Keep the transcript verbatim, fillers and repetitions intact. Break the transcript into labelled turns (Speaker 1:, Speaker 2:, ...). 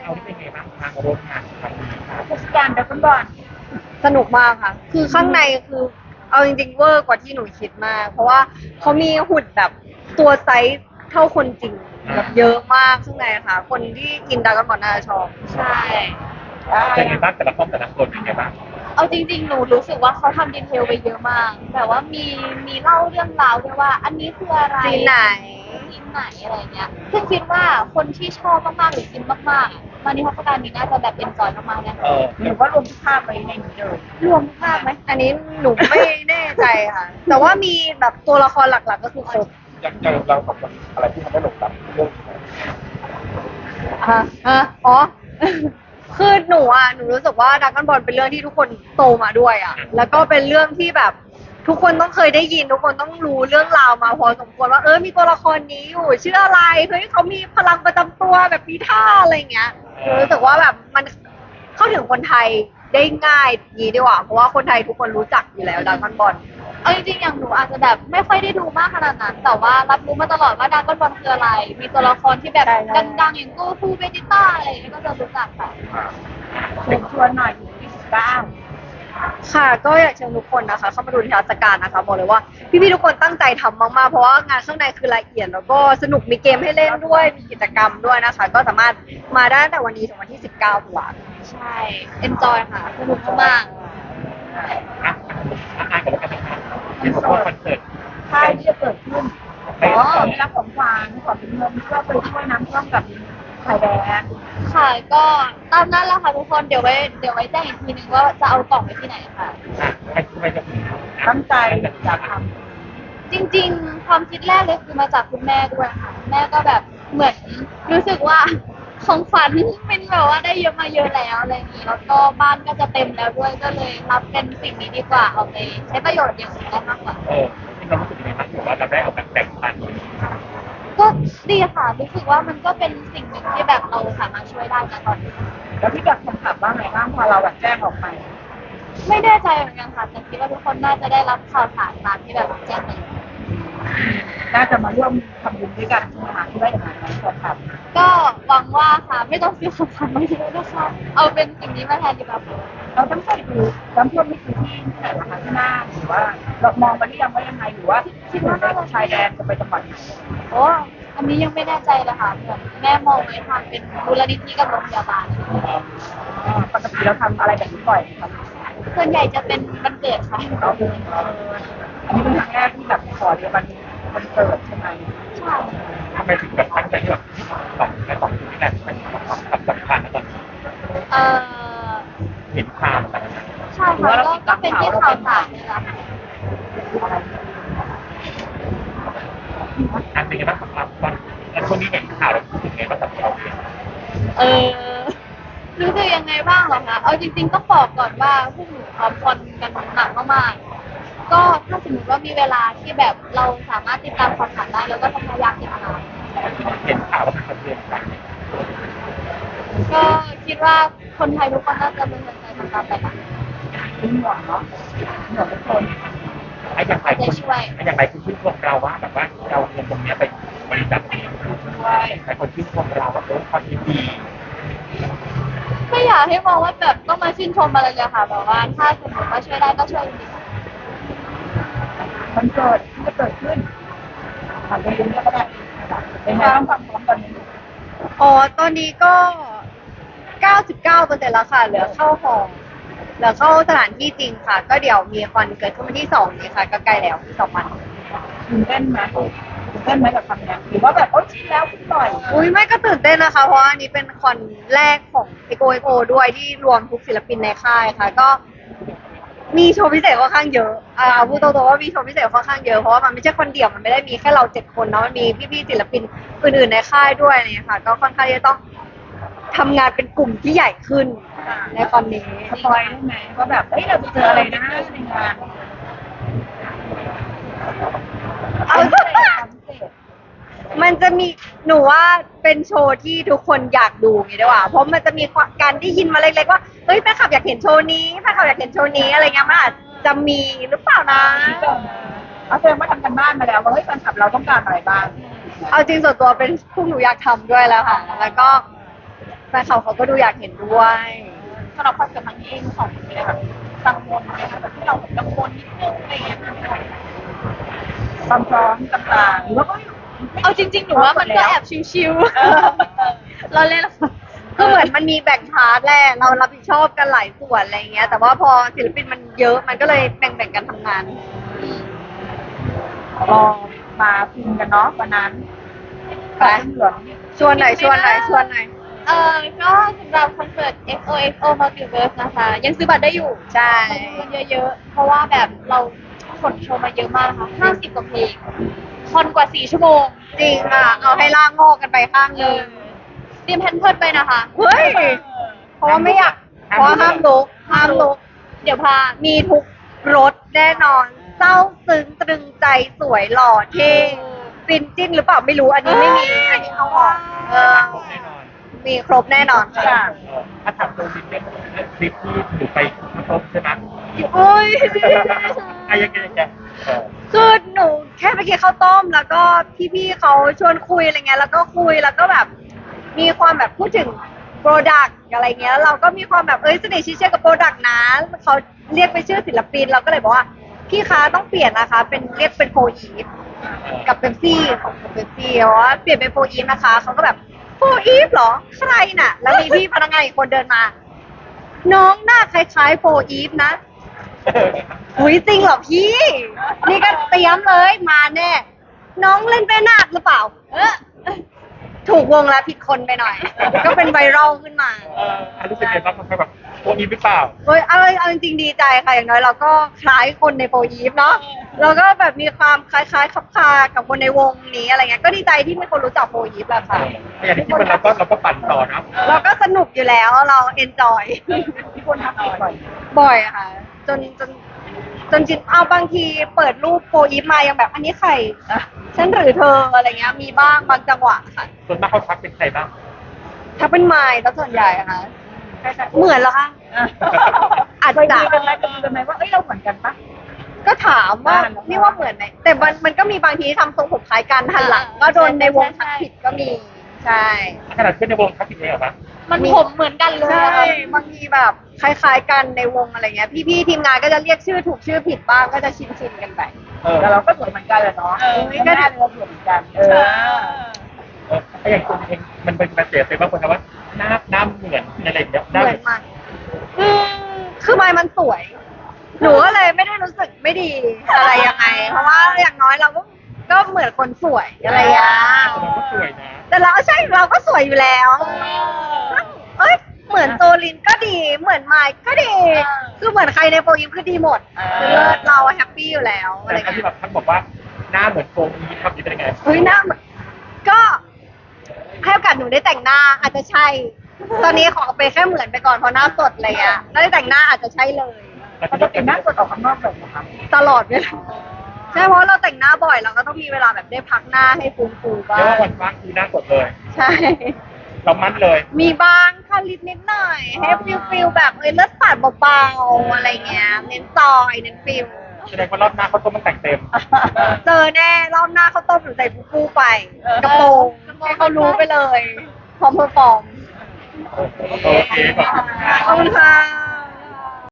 Speaker 1: เอาที่เป็นไงบ้างทางร่วมงานครั้งนี้ครับ
Speaker 2: ผู้จัดการดราก้อนบอล
Speaker 3: สนุกมากค่ะ คือข้างในคือเอาจริงๆเวอร์กว่าที่หนูคิดมาก เพราะว่าเขามีหุ่นแบบตัวไซส์เท่าคนจริงแบบเยอะมากข้างในค่ะ คนที่กินดราก้อนบอลน่าจะชอบ
Speaker 4: ใช่
Speaker 1: เป็นไงบ้างแต่ละห้องแต่ละคนเป็นไงบ้าง
Speaker 4: เอาจริงๆ หนูรู้สึกว่าเขาทำดีเทลไปเยอะมากแบบว่ามีมีเล่าเรื่องราวด้วยว่า อันนี้คืออะไร
Speaker 3: ซีนไหน
Speaker 4: ซีนไหนอะไรเงี้ยซึ่งคิดว่าคนที่ชอบมากๆหรือกินมากๆอะมานิทรรศการนี้น่าจะแบบเอนจอยมากๆแน่
Speaker 1: เออ
Speaker 2: หรือว่ารวมทุกภาพไว้ในนี้เลย
Speaker 4: รวมภาพไหม
Speaker 3: อันนี้หนูไม่แน่ใจค่ะ แต่ว่ามีแบบตัวละครหลักๆก็คือครบ
Speaker 1: ยังยังเราสองคนอะไรที่ทำให้หลงรักเรื่องนี้
Speaker 3: ฮะฮะอ๋อ คือหนูอ่ะ หนูรู้สึกว่าดราก้อนบอลเป็นเรื่องที่ทุกคนโตมาด้วยอ่ะ แล้วก็เป็นเรื่องที่แบบทุกคนต้องเคยได้ยิน ทุกคนต้องรู้เรื่องราวมาพอสมควรว่าเออ มีตัวละครนี้อยู่ชื่ออะไร เฮ้ยเขามีพลังประจำตัวแบบมีท่าอะไรเงี้ยหนูรู้สึกว่าแบบมันเข้าถึงคนไทยได้ง่ายยีดีกว่า เพราะว่าคนไทยทุกคนรู้จักอยู่แล้วดราก้อนบอล
Speaker 4: เอาจริงๆ อย่างหนูอาจจะแบบไม่ค่อยได้ดูมากขนาดนั้น แต่ว่ารับรู้มาตลอดว่าดราก้อนบอลคืออะไร มีตัวละครที่แบบ
Speaker 3: ใช่ใช่
Speaker 4: ดังๆ อย่างโกคูเบจิต้าอะไรอย่างเงี้ยก็จะรู้จักค่ะ
Speaker 2: เชิญชวนหน่อยถึงยี่สิบเก้า
Speaker 3: ค่ะก็อยากเชิญทุกคนนะคะเข้ามาดูนิทรรศการนะคะบอกเลยว่าพี่ๆทุกคนตั้งใจทำมากๆเพราะว่างานข้างในคือละเอียดแล้วก็สนุกมีเกมให้เล่นด้วยมีกิจกรรมด้วยนะคะ ก็สามารถมาได้ตั้งแต่วันนี้ถึงวันที่สิบเก้าตุลาคม
Speaker 4: ใช่ enjoy ค่ะ สนุกมาก
Speaker 1: อ่ะอ่ะอ่ะกับแล้วกันนะครับเห็นบอกว่าคอนเสิร์ต
Speaker 2: ค่ายที่จะเกิดขึ้นอ๋อได้รับของขวัญขอเป็นเงินเพื่อไปช่วยน้ำท่วมกับไทยแลนด์
Speaker 4: ๆ ค่ะ ก็ตามนั้นแหละค่ะทุกคน เดี๋ยวไว้เดี๋ยวไว้แจ้งอีกทีนึงว่าจะเอากล่องไปที่ไหนค่ะ
Speaker 1: อ่ะให้ให้จะ
Speaker 2: ตั้งใจอยากท
Speaker 4: จริงๆ ความคิดแรกเลยคือมาจากคุณแม่ด้วยค่ะ แม่ก็แบบเหมือนรู้สึกว่าของขวัญเป็นแบบว่าได้เยอะมาเยอะแล้วอะไรอย่างนี้ แล้วก็บ้านก็จะเต็มแล้วด้วย ก็เลยรับเป็นสิ่งนี้ดีกว่า เอาไปใช้ประโยชน์อย่างอื่นได้มากกว่า
Speaker 1: เออที่เรารู้สึกยังไงบ้างถือว่าเราได้เอาแบบแบ่งปัน
Speaker 4: ก็ดีค่ะ รู้สึกว่ามันก็เป็นสิ่งหนึ่งที่แบบเราสามารถช่วยได้นะตอนนี้
Speaker 2: ำแล้วที่แบบคนขับว่าไงบ้างพอเราแบบแจ้งออกไป
Speaker 4: ไม่แน่ใจเหมือนกันค่ะแต่คิดว่าทุกคนน่าจะได้รับข่าวสารตามที่แบบแจ้งไป
Speaker 2: น่าจะมาร่วมทำบุญด้วยกันใช่ไหมคะที่ได้อย่างนั้นคนขับ
Speaker 4: ก็หวังว่าค่ะไม่ต้องซื้อของขวัญมาเยอะนะคะเอาเป็นสิ่งนี้มาแทนดีกว่าค่ะ
Speaker 2: เราต้องใส่ดูน้ำท่วมนี่คือที่ที่ไหนนะคะที่น่านหรือว่าเรามองมาหรือยังว่ายังไงหรือว่าคิดว่าน่าจะชายแดนจะไปจังหวัดไหน
Speaker 4: โอ้อันนี้ยังไม่แน่ใจเลยค่ะเหมือนแม่มองไว้ทางเป็นมูลนิธิกับโรงพยาบาล
Speaker 2: อ๋อปกติเราทำอะไรแบบนี้บ่อยไหมครับ
Speaker 4: ส่วนใหญ่จะเป็นวันเกิดค่ะ
Speaker 2: เราเอออันนี้เป็นครั้งแรกที่แบบขอเดียวกันมันเกิดใช่ไหม
Speaker 4: ใช่
Speaker 1: ทำไมถึงแบบตั้งใจที่แบบสองและสองที่นั่นเป็นความสำคัญนะตอนนี้
Speaker 4: เอ่อ
Speaker 1: เห็นความแต่ละ
Speaker 4: ใช่ค่ะก็ก็เป็นที่ข่าวสารนี่แหละค่ะ
Speaker 1: อันเป็นไงบ้างสำหรับตอนแล้วช่วงนี้เห็นข่าวแล้วรู้สึกไงบ้างสำหรับเราเอง
Speaker 4: เออรู้สึกยังไงบ้างเหรอคะเอาจริงๆต้องบอกก่อนว่าพวกหนูพร้อมคนกันหนักมากๆก็ถ้าสมมติว่ามีเวลาที่แบบเราสามารถติดตามข่าวสารได้เราก็จะพยายามติดตาม
Speaker 1: เห็นข่าวแล้วมันสะเทือนใจ
Speaker 4: ก็คิดว่าคนไทยทุกคนน่าจะเป็นคนไทยทำตามไปนะ
Speaker 2: เป็นห่วงเนาะห่วงทุกคน
Speaker 1: ไอ้อย่างไรคุณไอ้อย่างไรคุณชื่นชมเราว่าแบบว่าเราเงินตรงนี้ไปบริจาคเองด้วยหลายคนชื่นชมเราแบบเออความดี
Speaker 4: ไม่อยากให้มองว่าแบบต้องมาชื่นชมอะไรเลยค่ะแบบว่าถ้าสมมติว่าช่วยได้ก็ช่วยจริง
Speaker 2: มันเกิดที่จะเกิดขึ้นผ่านไปเรื่อยๆก็ได้เป็นไงบ้างความพร้อมตอนนี้
Speaker 3: อ๋อตอนนี้ก็ เก้าสิบเก้าเปอร์เซ็นต์ แล้วค่ะ เหลือเข้าหอเหลือเข้าสถานที่จริงค่ะ ก็เดี๋ยวมีคอนเกิดขึ้นวันที่สองนี้ค่ะ ก็ใกล้แล้วที่สองวัน
Speaker 2: ตื่นเต้นไหมตื่นเต้นไหมกับคำนี้หรือว่าแบบโอ๊ยชินแล้วคุณปล่อย
Speaker 3: อุ้ยไม่ก็ตื่นเต้นนะคะ เพราะว่าอันนี้เป็นคอนแรกของเอโกเอโกด้วยที่รวมทุกศิลปินในค่ายค่ะ ก็มีโชว์พิเศษค่อนข้างเยอะอ่าเอาพูดตรงๆว่ามีโชว์พิเศษค่อนข้างเยอะ เพราะว่ามันไม่ใช่คนเดียว มันไม่ได้มีแค่เราเจ็ดคนเนาะ มันมีพี่ๆศิลปินอื่นๆในค่ายด้วยเนี่ยค่ะ ก็ค่อนข้างที่จะต้องทำงานเป็นกลุ่มที่ใหญ่ขึ้นในคอนนี้
Speaker 2: สปอยได้ไหมว่าแบบเฮ้ยเราไปเจออะไรนะในงาน
Speaker 3: เอา
Speaker 2: พิเศษความพิเศษ
Speaker 3: มันจะมีหนูว่าเป็นโชว์ที่ทุกคนอยากดูไงดีกว่าเพราะมันจะมีการได้ยินมาเล็กๆว่าเฮ้ยแฟนคลับอยากเห็นโชว์นี้แฟนคลับอยากเห็นโชว์นี้อะไรเงี้ยมันอาจจะมีหรือเปล่านะ
Speaker 2: เอาแสดงว่าทำกันบ้านมาแล้วว่าเฮ้ยแฟนคลับเราต้องการอะไรบ้าง
Speaker 3: เอาจริงส่วนตัวเป็นพวกหนูอยากทำด้วยแล้วค่ะ แล้วก็ฟนเขาเขาก็ดูอยากเห็นด้วย
Speaker 2: สำหรับความสัมพันธ์นี้เองสองคนเนี่ยแบบกังวลไหมคะแบบที่เราแบบกังวลนิดนึงอะไรอย่างเงี้ยความพร้อมต่างๆหรือว่าก็
Speaker 4: เอาจริงๆหนูว่ามันก็แอบชิวๆเราเล่น
Speaker 3: คือเหมือนมันมีแบ่งพาร์ทแหละเรารับผิดชอบกันหลายส่วนอะไรเงี้ย แต่ว่าพอศิลปินมันเยอะมันก็เลยแบ่งๆกันทำงาน
Speaker 2: รอมาพิมพ์กันเนาะวันนั้น
Speaker 3: ไป
Speaker 2: เหลือง
Speaker 3: ชวนหน่อยชวนหน่อยชวนหน่อย
Speaker 4: เออก็สำหรับคอนเสิร์ต เอ็กซ์ โอ เอ็กซ์ โอ Multiverse นะคะ ยังซื้อบัตรได้อยู่
Speaker 3: ใช่
Speaker 4: คนเยอะๆ เพราะว่าแบบเราขนโชว์มาเยอะมากนะคะห้าสิบกว่าเพลงคอนกว่าสี่ชั่วโมง
Speaker 3: จริงอ่ะ เอาให้ล่างงอกกันไปข้างหนึง
Speaker 4: เตรียมแพนเพิร์ดไปนะคะ
Speaker 3: เฮ้ย เพราะว่าไม่อยากเพราะว่าห้ามลุกห้ามลุก
Speaker 4: เดี๋ยวพา
Speaker 3: มีทุกรสแน่นอน เศร้าซึ้งตรึงใจสวยหล่อเท่ฟินจิ้นหรือเปล่าไม่รู้อันนี้ไม่มีอันนี้เอาออกเออ
Speaker 1: แน่นอน
Speaker 3: มีครบแน่นอน
Speaker 2: ทุกอย่าง
Speaker 1: เออถ้าถามตัวจริงเนี่ยคลิปที่ถือไปครบใช่ไหม
Speaker 3: โอ้ย
Speaker 1: อะยังไงยังไงเออ
Speaker 3: คือหนูแค่ไปกินข้าวต้ม แล้วก็พี่ๆเขาชวนคุยอะไรเงี้ยแล้วก็คุยแล้วก็แบบ มีความแบบพูดถึงโปรดักต์อะไรเงี้ยเราก็มีความแบบเอ้ยสนิทชิดเชื่อกับโปรดักต์นะเขาเรียกไปชื่อศิลปินเราก็เลยบอกว่าพี่คะต้องเปลี่ยนนะคะ เป็นเรียกเป็นโฟอีฟกับเบปซี่ของเบปซี่ว่าเปลี่ยนเป็นโฟอีฟนะคะเขาก็แบบโฟอีฟเหรอใครน่ะ แล้วมีพี่พนักงานอีกคนเดินมา น้องหน้าคล้ายๆโฟอีฟนะ หุยจริงเหรอพี่ นี่ก็เตรียมเลยมาแน่ น้องเล่นเป็นนาคหรือเปล่า เออถูกวงแล้วผิดคนไปหน่อย ก็เป็นไวรัลขึ้นมา
Speaker 1: เอออ่ะรู้สึกยังไงบ้างมันแบบโอ้อีฟหรือเปล่า
Speaker 3: เฮ้ยเอาเอาจริงๆดีใจค่ะอย่างน้อยเราก็คล้ายคนในโปรยีฟเนาะเราก็แบบมีความคล้ายๆคับคากับคนในวงนี้อะไรเงี้ยก็ดีใจที่มีคนรู้จักโปรยีฟแหละค่ะ
Speaker 1: แต่อย่างที่คิดมันเราก็เราก็ปั่นต่อนะ
Speaker 3: เราก็สนุกอยู่แล้วเราเอนจอย
Speaker 2: ที่คนทักอีกบ่อย
Speaker 3: บ่อยค่ะ จนจนจนจิตเอาบางทีเปิดรูปโปรอีฟมายังแบบอันนี้ใครฉันหรือเธออะไรเงี้ยมีบ้างบางจังหวะค่ะ
Speaker 1: ส่วนมากเขาทักเป็นใครบ้าง
Speaker 3: ถ้าเป็นไมล์แล้วส่วนใหญ่อะค่ะ
Speaker 2: ใช่ใช่
Speaker 3: เหมือนเหรอคะอาจ
Speaker 2: เคย
Speaker 3: จะ
Speaker 2: คุยกันไหมเคยคุยกันไหมว่าเอ้ยเราเหมือนกันปะ
Speaker 3: ก็ถามว่านี่ว่าเหมือนไหมแต่มันมันก็มีบางทีที่ทำทรงผมคล้ายกันหันหลังก็โดนในวงทักผิดก็มีใช่
Speaker 1: ขนาดเพื่อนในวงทักผิดเองเหรอปะ
Speaker 4: มันผมเหมือนกันเลย
Speaker 3: ใช่
Speaker 4: อะค่ะ
Speaker 3: บางทีแบบคล้ายๆกันในวงอะไรเงี้ยพี่ๆทีมงานก็จะเรียกชื่อถูกชื่อผิดบ้างก็จะชินๆกันไป
Speaker 1: เออ
Speaker 2: แต่เราก็สวยเหมือนกันเลยเนาะก็ได้เราสวยเหมือนกันเออ
Speaker 1: เออไอ้อย่างตัวเองมันเป็นกระแสเป็นบางคนทำว่าหน้าหน้าเหมือนอะไรอย่างเงี้ยห
Speaker 3: เห
Speaker 1: น้า
Speaker 3: มือนมากอืมคือไมล์มันสวย หนูก็เลยไม่ได้รู้สึกไม่ดีอะไรยังไง เพราะว่าอย่างน้อยเราก็ก็เหมือนคนสวยอะไรอย่างเงี้ย
Speaker 1: มันก็สวยนะ
Speaker 3: แต่เราใช่เราก็สวยอยู่แล้ว เอ้ยเหมือนโซลินก็ดี เหมือนไมค์ก็ดี คือเหมือนใครในโปรยิมคือดีหมดคือเลิศเราแฮปปี้อยู่แล้วอะไร
Speaker 1: แต่ที่
Speaker 3: เงี้ย
Speaker 1: แบบท่านบอกว่าหน้าเหมือนโกงนี้ทำนี้เป็นยังไง
Speaker 3: เฮ้ยหน้าเหมือนก็ให้โอกาสหนูได้แต่งหน้าอาจจะใช่ ตอนนี้ขอไปแค่เหมือนไปก่อนเพราะหน้าสดอะไรเงี้ยแล้วได้แต่งหน้าอาจจะใช่เลย
Speaker 2: ปกติหน้าสดออกข้างนอกแบบนะครับ
Speaker 3: ตลอดเวลาใช่เพราะเราแต่งหน้าบ่อยเราก็ต้องมีเวลาแบบได้พักหน้าให้ฟูฟูๆบ้า
Speaker 1: เรียกว่าง วันว่างคือหน้าสดเลย
Speaker 3: ใช่
Speaker 1: เรามั่นเลย
Speaker 3: มีบ้างค่ะลิปนิดหน่อย ให้ฟิลฟิลแบบเอ้ยเลือดสาดเบาๆอะไรเงี้ย เน้นจอยเน้นฟิล
Speaker 1: แสดงว่ารอบหน้าเขาต้องมันแต่งเต็ม
Speaker 3: เจอแน่รอบหน้าเขาต้มหรือใส่ฟูฟูไป กระโปรงให้เขารู้ไปเลย พร้อมเพอร์ฟอร์ม
Speaker 1: โอเคขอบคุณครับ
Speaker 3: ขอบคุณค่ะ